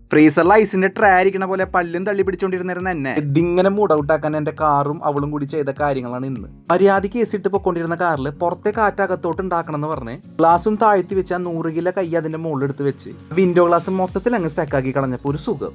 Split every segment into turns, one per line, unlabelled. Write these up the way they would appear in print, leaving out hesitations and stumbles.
ഫ്രീസറിൽ ഐസിന്റെ ട്രേ ഇരിക്കണ പോലെ പല്ലും തള്ളി പിടിച്ചോണ്ടിരുന്നിരുന്ന എന്നെ ഇതിങ്ങനെ മൂഡ് ഔട്ട് ആക്കാൻ എന്റെ കാറും അവളും കൂടി ചെയ്ത കാര്യങ്ങളാണ് ഇന്ന്. മര്യാദയ്ക്ക് കേസിട്ട് പൊക്കൊണ്ടിരുന്ന കാറിൽ പുറത്തെ കാറ്റകത്തോട്ട് ഉണ്ടാക്കണം എന്ന് പറഞ്ഞ് ഗ്ലാസും താഴ്ത്തി വെച്ച് ആ 100 കിലോ കൈ അതിന്റെ മുകളിൽ എടുത്ത് വെച്ച് വിൻഡോ ഗ്ലാസ് മൊത്തത്തിൽ അങ്ങ് സ്റ്റക്കാക്കി കളഞ്ഞപ്പോ ഒരു സുഖം.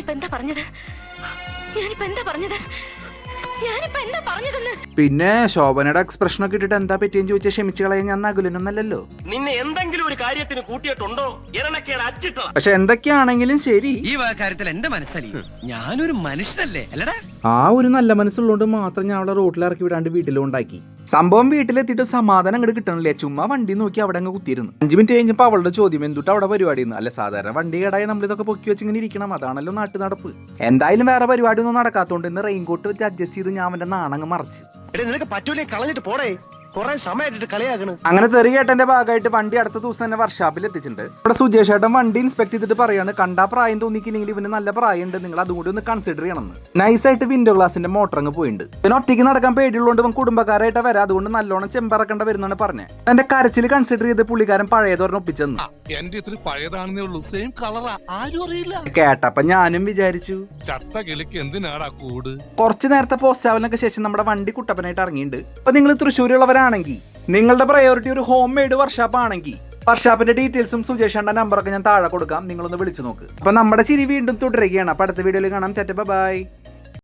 പിന്നെ ശോഭനയുടെ എക്സ്പ്രഷൻ ഒക്കെ ഇട്ടിട്ട് എന്താ പറ്റിയെന്ന് ചോദിച്ചാൽ ക്ഷമിച്ചു കളയാൻ ഞാൻ നകുലനൊന്നല്ലോ.
നിന്നെ എന്തെങ്കിലും ഒരു കാര്യത്തിന് കൂട്ടിയിട്ടുണ്ടോ?
പക്ഷെ എന്തൊക്കെയാണെങ്കിലും ശരി,
ഈ കാര്യത്തിൽ എന്റെ മനസ്സലി ഞാനൊരു മനുഷ്യനല്ലേ അല്ലടാ.
ആ ഒരു നല്ല മനസ്സുള്ളതുകൊണ്ട് മാത്രം ഞാൻ അവളെ റോട്ടിൽ ഇറക്കി വിടാണ്ട് വീട്ടിലും ഉണ്ടാക്കി. സംഭവം വീട്ടിലെത്തിയിട്ട് സമാധാനം അങ്ങോട്ട് കിട്ടണില്ലേ. ചുമ്മാ വണ്ടി നോക്കി അവിടെ അങ്ങ് കുത്തിയിരുന്നു. 5 മിനിറ്റ് കഴിഞ്ഞപ്പോൾ അവളുടെ ചോദ്യം എന്തുട്ട് അവിടെ പരിപാടി. അല്ല സാധാരണ വണ്ടി കേടായി നമ്മളിതൊക്കെ പൊക്കി വെച്ച് ഇങ്ങനെ ഇരിക്കണം, അതാണല്ലോ നാട്ടു നടപ്പ്. എന്തായാലും വേറെ പരിപാടി ഒന്നും നടക്കാത്തോണ്ട് ഇന്ന് റെയിൻകോട്ട് വെച്ച് അഡ്ജസ്റ്റ് ചെയ്ത് ഞാൻ അവന്റെ നാണങ്ങ് മറിച്ച്.
നിനക്ക് പറ്റൂലേ, കളഞ്ഞിട്ട് പോടേ, കുറെ സമയമായിട്ട് കളിയാക്കണ്.
അങ്ങനെ തെറി കേട്ടന്റെ ഭാഗമായിട്ട് വണ്ടി അടുത്ത ദിവസം തന്നെ വർക്ക്ഷോപ്പിൽ എത്തിച്ചിട്ടുണ്ട്. ഇവിടെ സുജേഷ് ഏട്ടൻ വണ്ടി ഇൻസ്പെക്ട് ചെയ്തിട്ട് പറയാണ്, കണ്ടാ പ്രായം തോന്നിക്കില്ലെങ്കിൽ ഇവന് നല്ല പ്രായം ഉണ്ട്, നിങ്ങൾ അതും കൂടി ഒന്ന് കൺസിഡർ ചെയ്യണമെന്ന്. നൈസായിട്ട് വിൻഡോ ഗ്ലാസിന്റെ മോട്ടർ അങ്ങ് പോയിട്ടുണ്ട്. പിന്നെ ഒറ്റയ്ക്ക് നടക്കാൻ പേടിയുള്ളതുകൊണ്ട് ഇവൻ കുടുംബക്കാരായിട്ട് വരാം, അതുകൊണ്ട് നല്ലോണം ചെമ്പറക്കേണ്ട വരുന്നാണ് പറഞ്ഞത്. എന്റെ കരച്ചിൽ കൺസിഡർ ചെയ്ത് പുള്ളിക്കാരൻ പഴയതോരണം ഒപ്പിച്ചെന്ന്. കേട്ടപ്പ ഞാനും വിചാരിച്ചു കുറച്ചു നേരത്തെ പോസ്റ്റ് ആവലിനൊക്കെ ശേഷം നമ്മുടെ വണ്ടി കുട്ടപ്പനായിട്ട് ഇറങ്ങിയിട്ടുണ്ട്. അപ്പൊ നിങ്ങൾ തൃശ്ശൂരുള്ളവരാണെങ്കിൽ നിങ്ങളുടെ പ്രയോറിറ്റി ഒരു ഹോം മെയ്ഡ് വർക്ക്ഷോപ്പ് ആണെങ്കിൽ വർക്ക്ഷോപ്പിന്റെ ഡീറ്റെയിൽസും സുജേഷന്റെ നമ്പറൊക്കെ ഞാൻ താഴെ കൊടുക്കാം, നിങ്ങളൊന്ന് വിളിച്ചു നോക്ക്. അപ്പൊ നമ്മുടെ ചിരി വീണ്ടും തുടരുകയാണ്. അപ്പൊ അടുത്ത വീഡിയോയിൽ കാണാം. ബൈ.